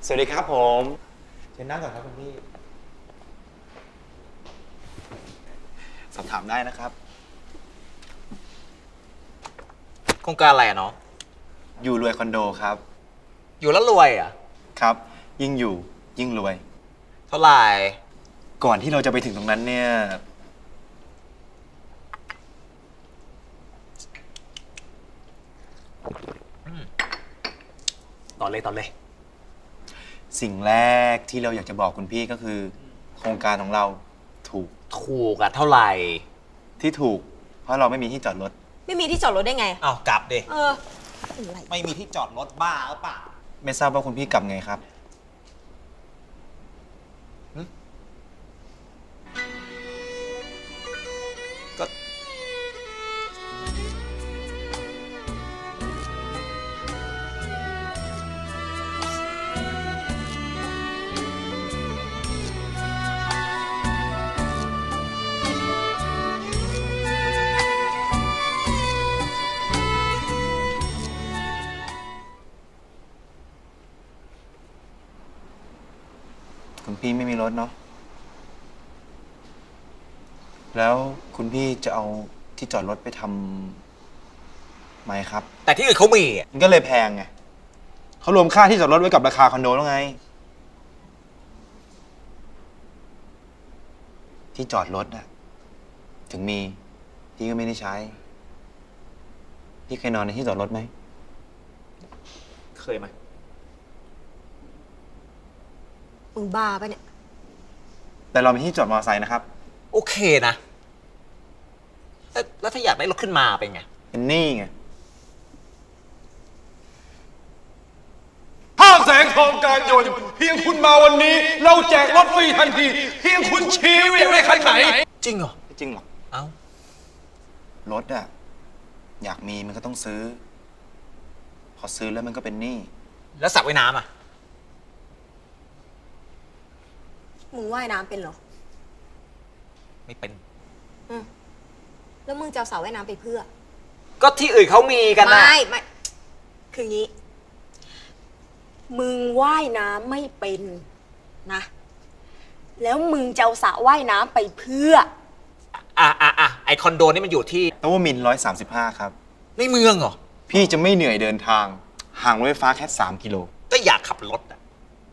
สวัสดีครับผมเชิญนั่งก่อนครับคุณพี่สอบถามได้นะครับโครงการอะไรอะน้องอยู่รวยคอนโดครับอยู่แล้วรวยอะครับยิ่งอยู่ยิ่งรวยเท่าไหร่ก่อนที่เราจะไปถึงตรงนั้นเนี่ยต่อเลยสิ่งแรกที่เราอยากจะบอกคุณพี่ก็คือ โครงการของเราถูกอะเท่าไหร่ที่ถูกเพราะเราไม่มีที่จอดรถไม่มีที่จอดรถได้ไงอ้าวกลับดิอะไรไม่มีที่จอดรถบ้าหรือเปล่าไม่ทราบว่าคุณพี่กลับไงครับก็คุณพี่ไม่มีรถเนาะแล้วคุณพี่จะเอาที่จอดรถไปทำไหมครับแต่ที่อื่นเขามีอะมันก็เลยแพงไงเขารวมค่าที่จอดรถไว้กับราคาคอนโดแล้วไงที่จอดรถอะถึงมีพี่ก็ไม่ได้ใช้พี่เคยนอนในที่จอดรถไหมเคยไหมมึงบ้าปะเนี่ยแต่เรามีที่จอดมอเตอร์ไซค์นะครับโอเคนะแล้วถ้าอยากได้รถขึ้นมาเป็นไงเป็นหนี้ไงห้างแสงทองการยนต์เพียงคุณมาวันนี้เราแจกรถฟรีทันทีเพียงคุณชี้ว่าอยากได้คันไหนจริงเหรอไม่จริงหรอกเอ้ารถอะอยากมีมันก็ต้องซื้อพอซื้อแล้วมันก็เป็นหนี้แล้วสระว่ายน้ำอะมึงว่ายน้ำเป็นเหรอไม่เป็นแล้วมึงจะเอาสระว่ายน้ำไปเพื่อก็ที่อื่นเขามีกันนะไม่คืองี้มึงว่ายน้ำไม่เป็นนะแล้วมึงจะเอาสระว่ายน้ำไปเพื่อไอคอนโดนี่มันอยู่ที่นวมินทร์135ครับในเมืองเหรอพี่จะไม่เหนื่อยเดินทางห่างรถไฟฟ้าแค่3 กิโลก็อยากขับรถอะ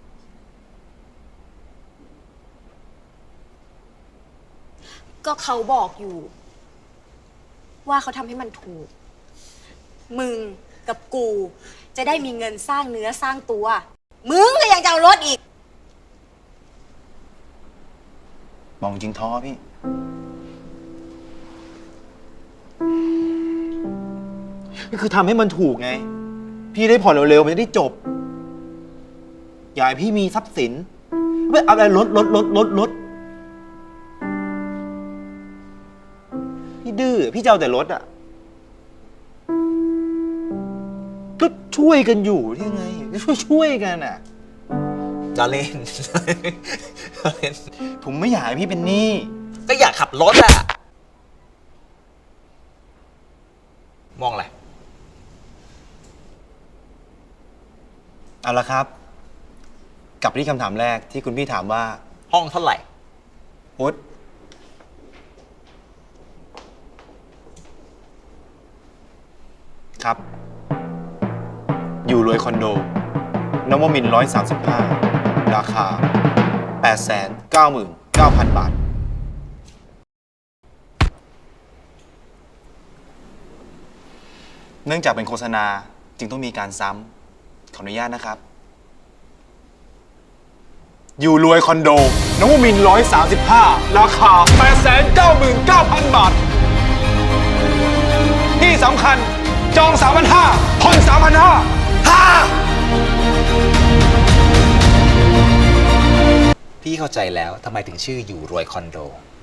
ก็เขาบอกอยู่ว่าเขาทำให้มันถูกมึงกับกูจะได้มีเงินสร้างเนื้อสร้างตัวมึงก็ยังจะเอารถอีกมองจริงท้อพี่นี่คือทำให้มันถูกไงพี่ได้ผ่อนเร็วๆมันจะได้จบอย่าให้พี่มีทรัพย์สินไม่เอาอะไรรถพี่ดื้อพี่จะเอาแต่รถอ่ะก็ช่วยกันอยู่ที่ไงก็ช่วยกันอ่ะจะเล่นผมไม่อยากให้พี่เป็นหนี้ก็อยากขับรถอะมองอะไรเอาละครับกลับไปที่คำถามแรกที่คุณพี่ถามว่าห้องเท่าไหร่พุทธครับอยู่รวยคอนโดนวมินทร์135ราคา 899,000 บาทเนื่องจากเป็นโฆษณาจึงต้องมีการซ้ำขออนุญาตนะครับอยู่รวยคอนโดนวมินทร์135ราคา 899,000 บาทที่สำคัญจอง 3,500 ผ่อน 3,500 พี่เข้าใจแล้วทำไมถึงชื่ออยู่รวยคอนโด